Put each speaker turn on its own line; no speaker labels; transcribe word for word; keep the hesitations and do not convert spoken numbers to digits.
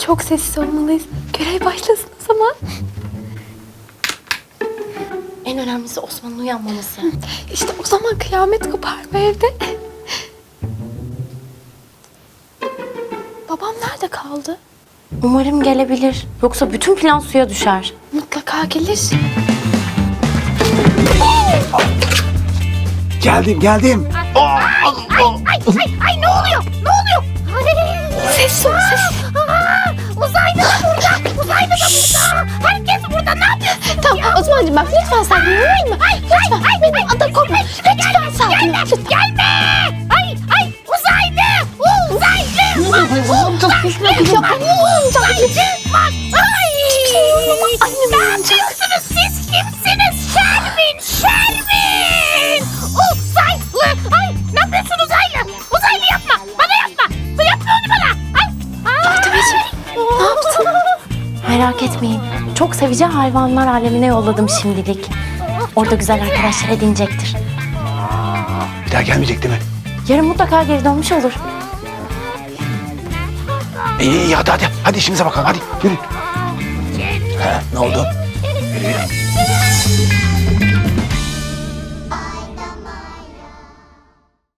Çok sessiz olmalıyız. Görev başlasın o zaman.
En önemlisi Osman'ın uyanmaması.
İşte o zaman kıyamet kopar bu evde. Babam nerede kaldı?
Umarım gelebilir. Yoksa bütün plan suya düşer.
Mutlaka gelir.
Geldim geldim.
Ay ay ne oluyor? Ne oluyor?
Ses ol ses.
Aa, uzaylı da burada. Uzaylı da burada. Herkes burada. Ne yapıyorsun?
Tamam Osman'cığım bak lütfen sakin olur mu?
Ay ay ay benim
Ada korkma. Lütfen sakin ol.
Gelme. Gelme. Ay ay uzaylı. Uzaylı. Bak, uzaylı. Uzaylı. Bak. Ay. Ne yapıyorsunuz siz? Kimsiniz? Şermin. Şermin. Uzaylı. Ay ne yapıyorsun uzaylı? Uzaylı yapma. Bana yapma. Yapma onu bana. Ay.
Fatımacığım ne yaptın?
Merak etmeyin. Çok seveceği hayvanlar alemine yolladım şimdilik. Orada güzel arkadaşlar edinecektir.
Bir daha gelmeyecek değil mi?
Yarın mutlaka geri dönmüş olur.
İyi iyi hadi hadi. Hadi işimize bakalım hadi. Yürü. Ha, ne oldu? Yürü yürü.